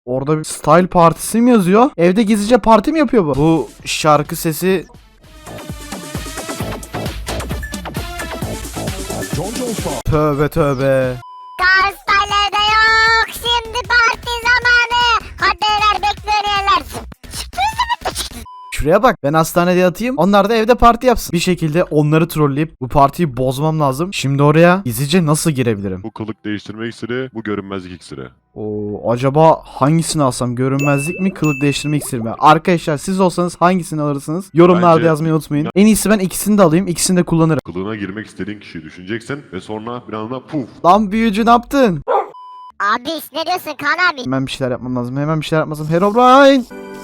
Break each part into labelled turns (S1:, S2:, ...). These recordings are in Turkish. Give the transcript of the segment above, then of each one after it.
S1: Orada bir style partisi mi yazıyor? Evde gizlice parti mi yapıyor bu? Bu şarkı sesi... Tövbe tövbe.
S2: Karstaylarda yok. Şimdi parti zamanı. Hadi beyler bekleyenler.
S1: Şuraya bak, ben hastanede yatayım, onlar da evde parti yapsın. Bir şekilde onları trolleyip bu partiyi bozmam lazım. Şimdi oraya gizlice nasıl girebilirim?
S3: Bu kılık değiştirme iksiri, bu görünmezlik iksiri.
S1: Acaba hangisini alsam? Görünmezlik mi, kılık değiştirme iksiri mi? Arkadaşlar siz olsanız hangisini alırsınız? Yorumlarda
S3: Bence-
S1: yazmayı unutmayın. En iyisi ben ikisini de alayım, ikisini de kullanırım.
S3: Kılığına girmek istediğin kişiyi düşüneceksin ve sonra bir anda puf.
S1: Lan büyücü ne yaptın?
S2: Abi ne diyorsun Kaan abi?
S1: Hemen bir şeyler yapmam lazım, hemen bir şeyler yapmam lazım. Herobrine!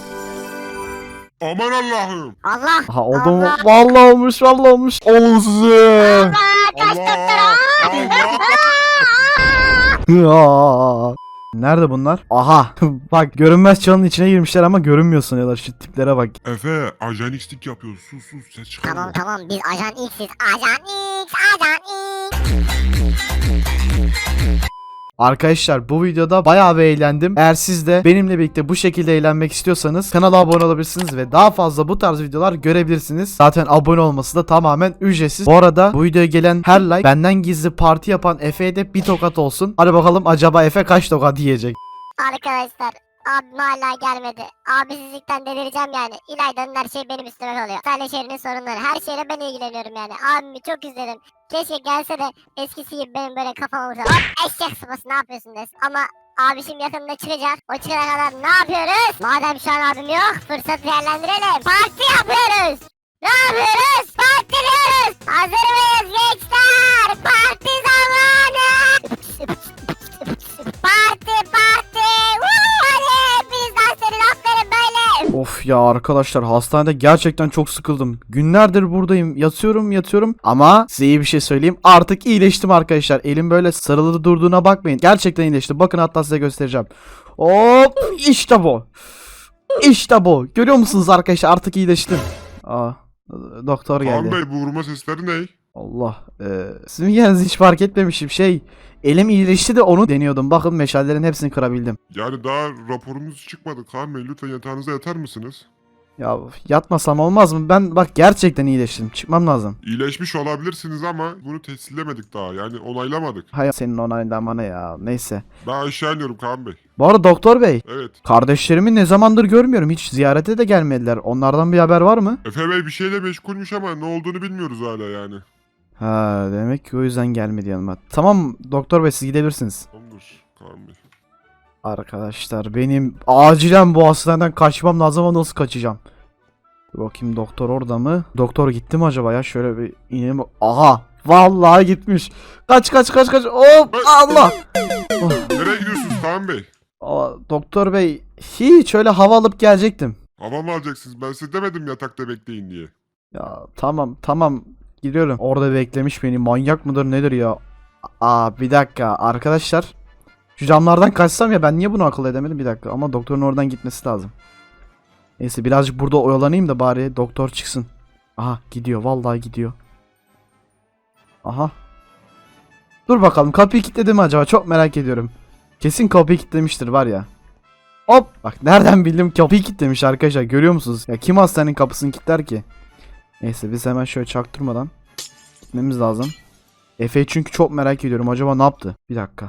S4: Aman Allah'ım.
S2: Allah.
S1: Aha oldu mu?
S2: Allah.
S1: Vallahi olmuş, vallahi olmuş. Olun size.
S2: Allah kaç
S4: Allah. Allah.
S1: Ya. Nerede bunlar? Aha. Bak, görünmez çalının içine girmişler ama görünmüyorsun ya da şu tiplere bak.
S4: Efe ajan x'lik yapıyoruz. Sus ses çıkarma.
S2: Tamam biz ajan X'iz. Ajan X. Ajan X.
S1: Arkadaşlar bu videoda bayağı bir eğlendim. Eğer siz de benimle birlikte bu şekilde eğlenmek istiyorsanız kanala abone olabilirsiniz ve daha fazla bu tarz videolar görebilirsiniz. Zaten abone olması da tamamen ücretsiz. Bu arada bu videoya gelen her like benden gizli parti yapan Efe'ye de bir tokat olsun. Hadi bakalım acaba Efe kaç tokat yiyecek?
S2: Arkadaşlar abim hala gelmedi. Abisizlikten delireceğim yani. İlayda'nın her şeyi benim üstüme kalıyor. Sadece şehrinin sorunları. Her şeyle ben ilgileniyorum yani. Abimi çok üzledim. Keşke gelse de eskisi gibi benim böyle kafama vursa. Hop eşek sıpası ne yapıyorsun desin. Ama abişim yakında çıkacak. O çıkana kadar ne yapıyoruz? Madem şu an abim yok fırsatı değerlendirelim. Parti yapıyoruz. Ne yapıyoruz? Partiliyoruz. Hazır mıyız gençler? Parti zamanı. Parti. Hadi hepiniz dans edin aferin böyle.
S1: Of ya arkadaşlar, hastanede gerçekten çok sıkıldım. Günlerdir buradayım. Yatıyorum ama size iyi bir şey söyleyeyim. Artık iyileştim arkadaşlar. Elim böyle sarılı durduğuna bakmayın. Gerçekten iyileşti. Bakın hatta size göstereceğim. Hop, işte bu. İşte bu. Görüyor musunuz arkadaşlar? Artık iyileştim. Aa, doktor
S4: Kaan
S1: geldi.
S4: Bey bu vurma sesleri ne?
S1: Allah. Sizin yerinizi hiç fark etmemişim. Elim iyileşti de onu deniyordum. Bakın meşallerin hepsini kırabildim.
S4: Yani daha raporunuz çıkmadı Kaan Bey. Lütfen yatağınıza yatar mısınız?
S1: Ya yatmasam olmaz mı? Ben bak gerçekten iyileştim. Çıkmam lazım.
S4: İyileşmiş olabilirsiniz ama bunu tescillemedik daha. Yani onaylamadık.
S1: Hay senin onaylığından bana ya. Neyse.
S4: Ben aşağı iniyorum Kaan Bey.
S1: Bu arada doktor bey.
S4: Evet.
S1: Kardeşlerimi ne zamandır görmüyorum. Hiç ziyarete de gelmediler. Onlardan bir haber var mı?
S4: Efe Bey bir şeyle meşgulmüş ama ne olduğunu bilmiyoruz hala yani.
S1: Ha, demek ki o yüzden gelmedi yanıma. Tamam doktor bey, siz gidebilirsiniz.
S4: Tamamdır Kaan Bey.
S1: Arkadaşlar benim acilen bu hastaneden kaçmam lazım ama nasıl kaçacağım? Dur bakayım, doktor orada mı? Doktor gitti mi acaba ya? Şöyle bir inelim. Aha! Vallahi gitmiş. Kaç. Hop! Allah! Oh.
S4: Nereye gidiyorsunuz Kaan Bey?
S1: Doktor bey, hiç öyle hava alıp gelecektim.
S4: Hava mı alacaksınız? Ben size demedim yatakta bekleyin diye.
S1: Ya tamam gidiyorum. Orada beklemiş beni. Manyak mıdır nedir ya? Bir dakika arkadaşlar. Şu camlardan kaçsam ya, ben niye bunu akıl edemedim? Bir dakika, ama doktorun oradan gitmesi lazım. Neyse birazcık burada oyalanayım da bari doktor çıksın. Aha gidiyor, vallahi gidiyor. Aha. Dur bakalım, kapıyı kilitledi mi acaba? Çok merak ediyorum. Kesin kapıyı kilitlemiştir var ya. Hop! Bak nereden bildim, kapıyı kilitlemiş arkadaşlar, görüyor musunuz? Ya kim hastanenin kapısını kilitler ki? Neyse biz hemen şöyle çaktırmadan gitmemiz lazım. Efe'yi çünkü çok merak ediyorum. Acaba ne yaptı? Bir dakika.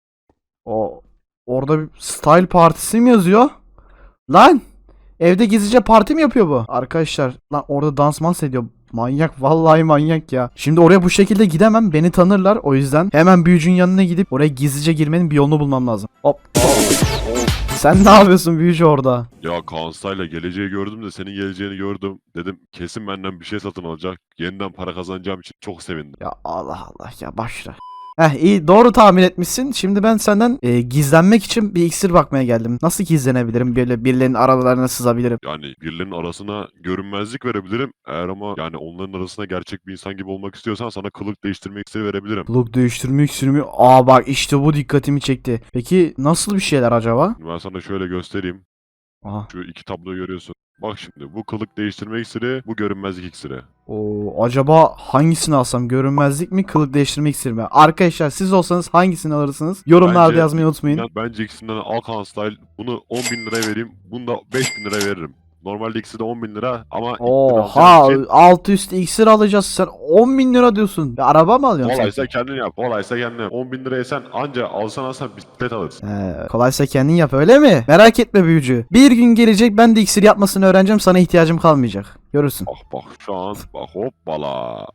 S1: Orada bir style partisi mi yazıyor? Lan! Evde gizlice parti mi yapıyor bu? Arkadaşlar lan orada dans ediyor. Manyak, vallahi manyak ya. Şimdi oraya bu şekilde gidemem. Beni tanırlar. O yüzden hemen büyücünün yanına gidip oraya gizlice girmenin bir yolunu bulmam lazım. Hop. Sen ne yapıyorsun büyücü orada?
S3: Ya Kaanstay'la geleceği gördüm de senin geleceğini gördüm. Dedim kesin benden bir şey satın alacak. Yeniden para kazanacağım için çok sevindim.
S1: Ya Allah ya, başla. İyi, doğru tahmin etmişsin. Şimdi ben senden gizlenmek için bir iksir bakmaya geldim. Nasıl gizlenebilirim? Böyle birilerinin aralarına sızabilirim.
S3: Yani birilerinin arasına görünmezlik verebilirim. Eğer ama yani onların arasına gerçek bir insan gibi olmak istiyorsan sana kılık değiştirme iksiri verebilirim.
S1: Kılık değiştirme iksiri mi? Bak işte bu dikkatimi çekti. Peki nasıl bir şeyler acaba?
S3: Ben sana şöyle göstereyim.
S1: Aha.
S3: Şu iki tabloyu görüyorsun. Bak şimdi bu kılık değiştirme iksiri, bu görünmezlik iksiri.
S1: Oo, acaba hangisini alsam? Görünmezlik mi, kılık değiştirme iksiri mi? Arkadaşlar siz olsanız hangisini alırsınız? Yorumlarda
S3: Bence
S1: yazmayı unutmayın.
S3: Bence ikisinden al Kaan Style. Bunu 10.000 liraya vereyim. Bunu da 5.000 liraya veririm. Normalde ikisi de 10.000 lira ama ilk bunu
S1: Oha,
S3: alacağım için
S1: altı üstü iksir alacağız, sen 10 bin lira diyorsun. Bir araba mı alıyorsun sen?
S3: kolaysa kendin yap. Kolaysa kendin yap. 10.000 liraya sen anca alsan bisiklet alırsın.
S1: Kolaysa kendin yap, öyle mi? Merak etme büyücü. Bir gün gelecek, ben de iksir yapmasını öğreneceğim, sana ihtiyacım kalmayacak. Görürsün.
S3: Bak şu an bak hoppala.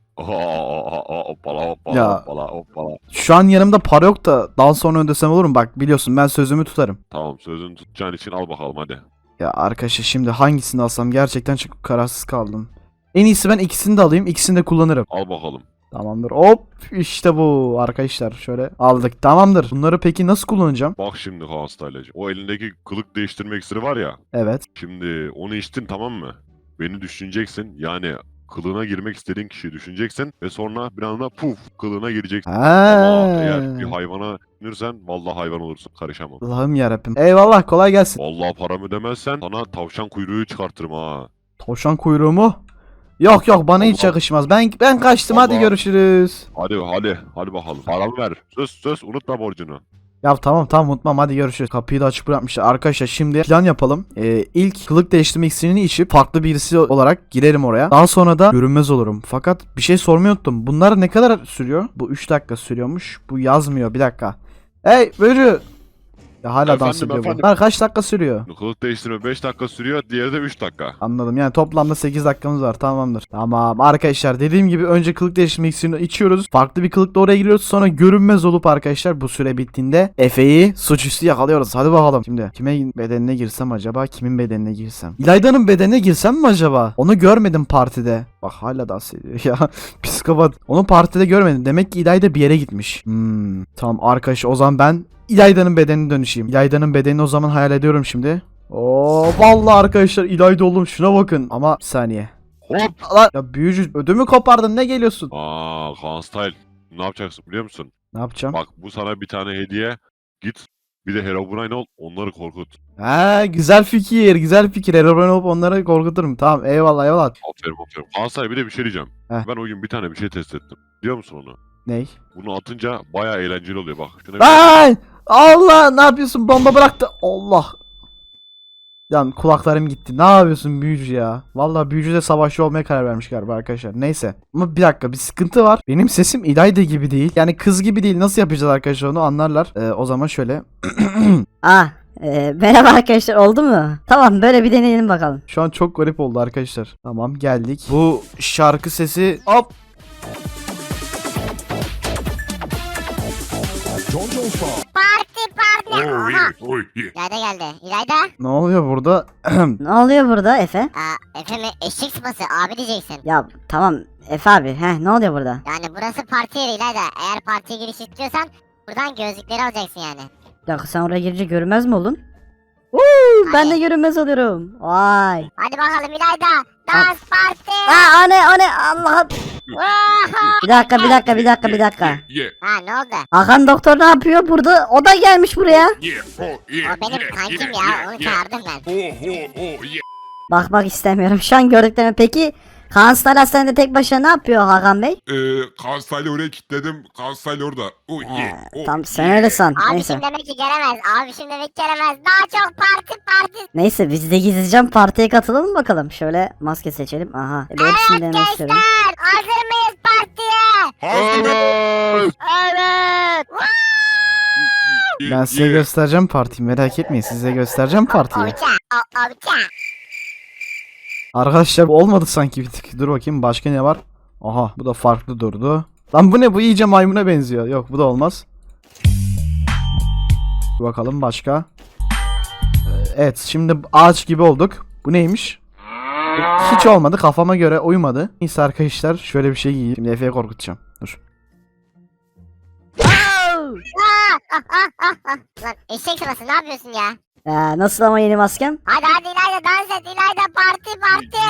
S3: Hoppala hoppala
S1: Ya.
S3: hoppala hoppala.
S1: Şu an yanımda para yok da daha sonra ödesem olur mu? Bak biliyorsun ben sözümü tutarım.
S3: Tamam sözünü tutacağın için al bakalım hadi.
S1: Ya arkadaşlar şimdi hangisini alsam, gerçekten çok kararsız kaldım. En iyisi ben ikisini de alayım, ikisini de kullanırım.
S3: Al bakalım.
S1: Tamamdır. Hop işte bu arkadaşlar, şöyle aldık. Tamamdır. Bunları peki nasıl kullanacağım?
S3: Bak şimdi Kaan Style'cığım. O elindeki kılık değiştirme iksiri var ya.
S1: Evet.
S3: Şimdi onu içtin tamam mı? Beni düşüneceksin. Yani kılığına girmek istediğin kişiyi düşüneceksin ve sonra bir anda puf kılığına gireceksin. Ama eğer bir
S1: Ha.
S3: hayvana düşünürsen vallahi hayvan olursun. Karışamam.
S1: Allah'ım yarabbim. Eyvallah, kolay gelsin.
S3: Vallahi paramı ödemezsen sana tavşan kuyruğu çıkartırım ha.
S1: Tavşan kuyruğu mu? Yok yok, bana hiç
S3: Allah.
S1: yakışmaz. Ben kaçtım, hadi
S3: Allah.
S1: görüşürüz.
S3: Hadi bakalım. Paramı ver. Söz unutma borcunu.
S1: Ya tamam unutmam, hadi görüşürüz. Kapıyı da açık bırakmışlar. Arkadaşlar şimdi plan yapalım. İlk kılık değiştirme iksirini içip farklı birisi olarak girerim oraya. Daha sonra da görünmez olurum. Fakat bir şey sormayı unuttum. Bunlar ne kadar sürüyor? Bu 3 dakika sürüyormuş. Bu yazmıyor, bir dakika. Hey böcü. Ya hala dans
S3: Efendim,
S1: ediyor bu.
S3: efendim.
S1: Bunlar kaç dakika sürüyor?
S3: Kılık değiştirme 5 dakika sürüyor. Diğeri de 3 dakika.
S1: Anladım, yani toplamda 8 dakikamız var, tamamdır. Tamam arkadaşlar, dediğim gibi önce kılık değiştirme iksirini içiyoruz. Farklı bir kılıkla oraya giriyoruz, sonra görünmez olup arkadaşlar bu süre bittiğinde Efe'yi suçüstü yakalıyoruz. Hadi bakalım. Şimdi kime bedenine girsem acaba, kimin bedenine girsem? İlayda'nın bedenine girsem mi acaba? Onu görmedim partide. Bak hala dans ediyor ya. Psikopat. Onu partide görmedim. Demek ki İlayda bir yere gitmiş. Tamam arkadaşlar, o zaman ben İlayda'nın bedenine dönüşeyim. İlayda'nın bedenini o zaman hayal ediyorum şimdi. Oo vallahi arkadaşlar İlayda oğlum, şuna bakın. Ama bir saniye.
S3: Hop.
S1: Lan ya büyücü, ödümü kopardın, ne geliyorsun?
S3: Kaan Style. Ne yapacaksın biliyor musun?
S1: Ne yapacağım?
S3: Bak bu sana bir tane hediye. Git bir de Herobrine ol onları korkut.
S1: Ha, güzel fikir. Herobrine olup onları korkuturum. Tamam, eyvallah.
S3: Aferin. Kaan Style bir de bir şey diyeceğim.
S1: Heh.
S3: Ben o gün bir tane bir şey test ettim. Biliyor musun onu?
S1: Ney?
S3: Bunu atınca bayağı eğlenceli oluyor bak. Şuna bir...
S1: Lan! Allah, ne yapıyorsun? Bomba bıraktı. Allah. Lan kulaklarım gitti. Ne yapıyorsun büyücü ya? Vallahi büyücü de savaşçı olmaya karar vermiş galiba arkadaşlar. Neyse. Ama bir dakika, bir sıkıntı var. Benim sesim İlayda gibi değil. Yani kız gibi değil. Nasıl yapacağız arkadaşlar, onu anlarlar. O zaman şöyle.
S5: Merhaba arkadaşlar, oldu mu? Tamam, böyle bir deneyelim bakalım.
S1: Şu an çok garip oldu arkadaşlar. Tamam, geldik. Bu şarkı sesi. Hop.
S2: Parti.
S4: Oh
S2: Aha.
S4: yeah, oh yeah.
S2: İlayda geldi. İlayda.
S1: Ne oluyor burada?
S5: Ne oluyor burada Efe?
S2: Efe mi? Eşek sıpası abi diyeceksin.
S5: Ya tamam Efe abi, ne oluyor burada?
S2: Yani burası parti yeri İlayda. Eğer partiye giriş istiyorsan buradan gözlükleri alacaksın yani.
S5: Bir dakika, sen oraya girince görünmez mi oldun? Ben de görünmez oluyorum. Vay.
S2: Hadi bakalım İlayda. Dans parti.
S5: O ne Allah'ım.
S2: Oha!
S5: Bir dakika.
S4: Yeah,
S2: Ha ne oldu?
S5: Hakan doktor ne yapıyor burada? O da gelmiş buraya.
S4: yeah, oh yeah.
S2: O benim
S4: yeah,
S2: kankim
S4: yeah,
S2: ya.
S4: yeah,
S2: Onu
S4: yeah.
S2: çağırdım ben.
S4: Oh yeah.
S5: Bak istemiyorum. Şu an gördüklerimi. Peki Kaan Star Hastanede tek başına ne yapıyor Hakan Bey?
S4: Kaan Style'ı oraya kilitledim. Kaan Style orada. Oh yeah. Oh,
S5: Tamam, sen
S4: yeah.
S5: öyle san.
S2: Abi
S5: Neyse.
S2: şimdi demek ki gelemez. Abi şimdi demek ki gelemez. Daha çok parti.
S5: Neyse, biz de gizlice partiye katılalım bakalım. Şöyle maske seçelim. Aha. Hepsini denemek istiyorum.
S2: Gençler hazır mıyız partiye?
S4: Hazır.
S2: Evet.
S1: Ben size göstereceğim partiyi, merak etmeyin, size göstereceğim partiyi.
S2: Oça. Oça.
S1: Arkadaşlar olmadı sanki bir tık. Dur bakayım, başka ne var? Aha, bu da farklı durdu. Lan bu ne, bu iyice maymuna benziyor. Yok, bu da olmaz. Bir bakalım başka. Evet, şimdi ağaç gibi olduk. Bu neymiş? Hiç olmadı, kafama göre uymadı. Neyse arkadaşlar, şöyle bir şey giyeyim. Şimdi Efe'yi korkutacağım. Dur.
S2: Lan eşek sırası ne yapıyorsun ya?
S5: Nasıl ama yeni maskem?
S2: Hadi İlayda dans et İlayda parti.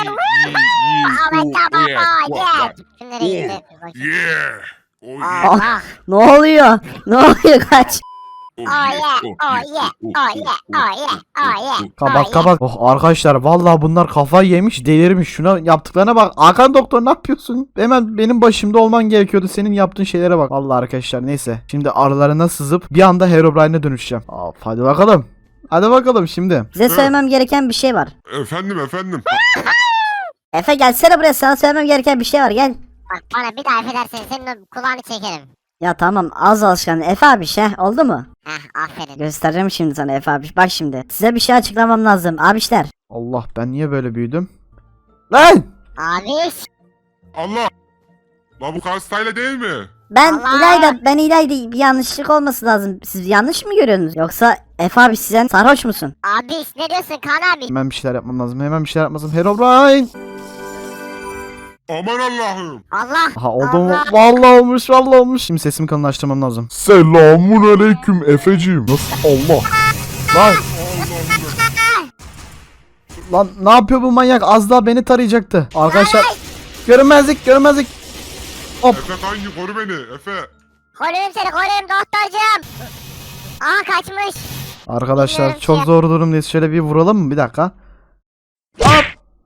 S2: Ahmet baba yeah. Şimdi nereye gitti?
S4: Yeah. Oh
S2: Aa,
S4: yeah.
S2: bak.
S5: Ne oluyor? Kaç.
S2: Oh yeah, oh yeah, oh yeah, oh yeah, oh yeah.
S1: Kabak kabak. Oh arkadaşlar vallahi bunlar kafayı yemiş delirmiş. Şuna yaptıklarına bak. Hakan doktor ne yapıyorsun? Hemen benim başımda olman gerekiyordu. Senin yaptığın şeylere bak. Vallahi arkadaşlar neyse. Şimdi aralarına sızıp bir anda Herobrine'e dönüşeceğim. Hadi bakalım. Hadi bakalım şimdi.
S5: Size söylemem gereken bir şey var.
S4: Efendim.
S5: Efe gelsene buraya, sana söylemem gereken bir şey var, gel.
S2: Bak bana bir daha affedersen senin o kulağını çekerim.
S5: Ya tamam, az alışkan Efe abi, oldu mu?
S2: Heh aferin.
S5: Göstereceğim şimdi sana Efe abi, bak şimdi. Size bir şey açıklamam lazım abişler.
S1: Allah ben niye böyle büyüdüm? Lan!
S2: Abi.
S4: Allah. La bu hastayla değil mi?
S5: Ben
S2: Allah!
S5: İlayda bir yanlışlık olması lazım. Siz yanlış mı görüyorsunuz? Yoksa Efe abi sen sarhoş musun?
S2: Abi ne diyorsun Kaan abi?
S1: Hemen bir şeyler yapmam lazım. Hemen bir şeyler yapmam lazım. Herobrine!
S4: Aman Allah'ım.
S2: Allah.
S1: Aha oldu mu?
S2: Allah.
S1: Vallahi olmuş vallahi olmuş. Şimdi sesimi kalınlaştırmam lazım. Selamun aleyküm Efeciğim. Nasıl? Allah. Lan, lan ne yapıyor bu manyak? Az daha beni tarayacaktı. Arkadaşlar görünmezlik.
S4: Efe kanki koru beni. Efe.
S2: Koruyayım seni koruyayım doktorcuğum. Aha kaçmış.
S1: Arkadaşlar
S2: Bilmiyorum
S1: çok
S2: ki.
S1: zor durumdayız. Şöyle bir vuralım mı? Bir dakika.
S2: Aa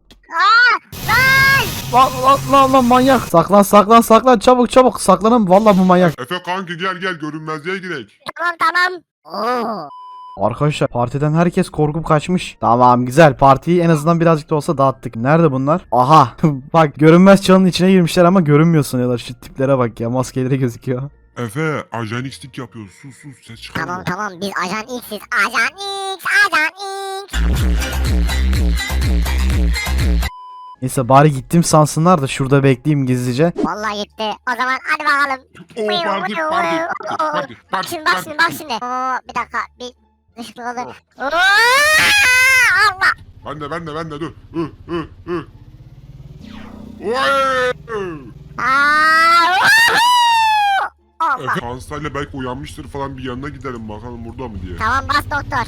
S2: lan.
S1: Lan manyak. Saklan çabuk saklanın. Vallahi bu manyak.
S4: Efe kanki gel görünmezliğe gidelim.
S2: Tamam. Oo.
S1: Arkadaşlar partiden herkes korkup kaçmış. Tamam güzel, partiyi en azından birazcık da olsa dağıttık. Nerede bunlar? Aha bak görünmez çalının içine girmişler ama görünmüyorsun ya da şu tiplere bak ya, maskeleri gözüküyor.
S4: Efe ajan x'lik yapıyoruz. Sus ses çıkarma.
S2: Tamam biz ajan X'iz. Ajan X.
S1: Neyse bari gittim sansınlar da şurada bekleyeyim gizlice.
S2: Vallahi gitti. O zaman hadi bakalım. Bak şimdi. Oo, bir dakika. Bir ışıklı oldu. Oo, Allah.
S4: Ben de dur. Oy!
S2: Aa, Allah.
S4: Efe hastayla belki uyanmıştır falan, bir yanına gidelim bakalım burada mı diye.
S2: Tamam bas doktor.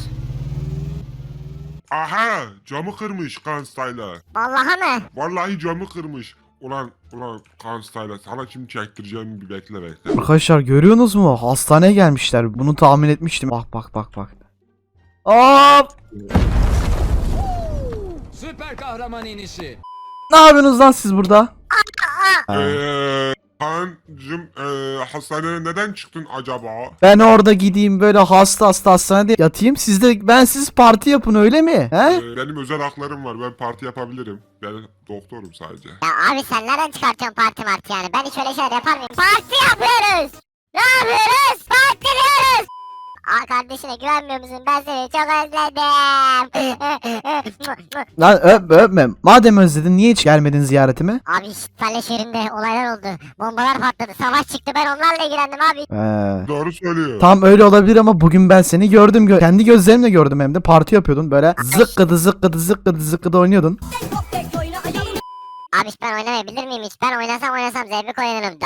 S4: Aha camı kırmış Kanstayla.
S2: Vallahi mı?
S4: Vallahi camı kırmış. Ulan Kanstayla sana kim çektireceğimi bir bekle.
S1: Arkadaşlar görüyorsunuz mu? Hastaneye gelmişler. Bunu tahmin etmiştim. Bak. Hop!
S6: Süper kahraman inişi.
S1: Ne yapıyorsunuz lan siz burada?
S4: Kancım hastaneye neden çıktın acaba?
S1: Ben orada gideyim böyle hasta hastanede yatayım. Ben siz parti yapın öyle mi? He?
S4: Benim özel haklarım var, ben parti yapabilirim. Ben doktorum sadece.
S2: Ya abi sen nereden çıkartıyorsun parti yani? Ben hiç öyle şeyler yapar mıyım? Parti yapıyoruz. Ne yapıyoruz? Partiliyoruz. Aa kardeşine güvenmiyor musun? Ben seni çok özledim.
S1: Lan öpme. Madem özledin niye hiç gelmedin ziyaretime?
S2: Abi İtalya şehrinde olaylar oldu. Bombalar patladı. Savaş çıktı. Ben onlarla ilgilendim abi.
S4: Doğru söylüyor.
S1: Tam öyle olabilir ama bugün ben seni gördüm. Kendi gözlerimle gördüm hem de. Parti yapıyordun böyle zıkkıdı oynuyordun.
S2: Abi ben oynamayabilir miyim hiç? Ben oynasam zevk oynarım.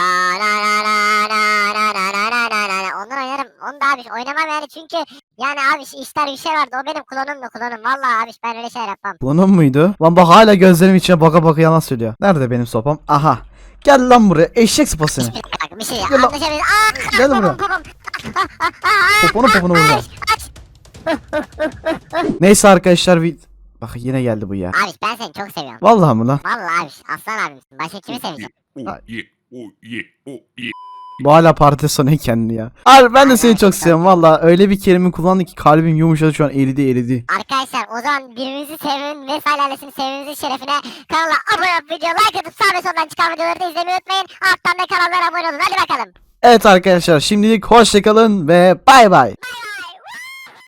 S2: Ondan oynarım. Onu da abi oynamam yani çünkü yani abi işler bir şey vardı. O benim klonum. Vallahi abi ben öyle şey yapmam.
S1: Bunun muydu? Lan bak hala gözlerim içine baka yalan söylüyor. Nerede benim sopam? Aha. Gel lan buraya eşek sıpa seni.
S2: Bir şey
S1: Gel lan.
S2: anlaşabiliriz.
S1: Gel buraya. Poponu vuracağım. Neyse arkadaşlar bak yine geldi bu ya.
S2: Abi ben seni çok seviyorum.
S1: Vallahi mı lan?
S2: Vallahi abi aslan abimsin. Başka kimi seveceğim?
S1: Bu hala parti sonu kendini ya. Abi ben de seni çok seviyorum valla. Öyle bir kelime kullandı ki kalbim yumuşadı şu an eridi.
S2: Arkadaşlar o zaman birbirimizi sevmenin ve ailesini sevmemizin şerefine kanala abone olup video like atıp sağ ve soldan çıkan videoları da izlemeyi unutmayın. Alttan da kanallara abone olun. Hadi bakalım.
S1: Evet arkadaşlar şimdilik hoşçakalın ve bay bay.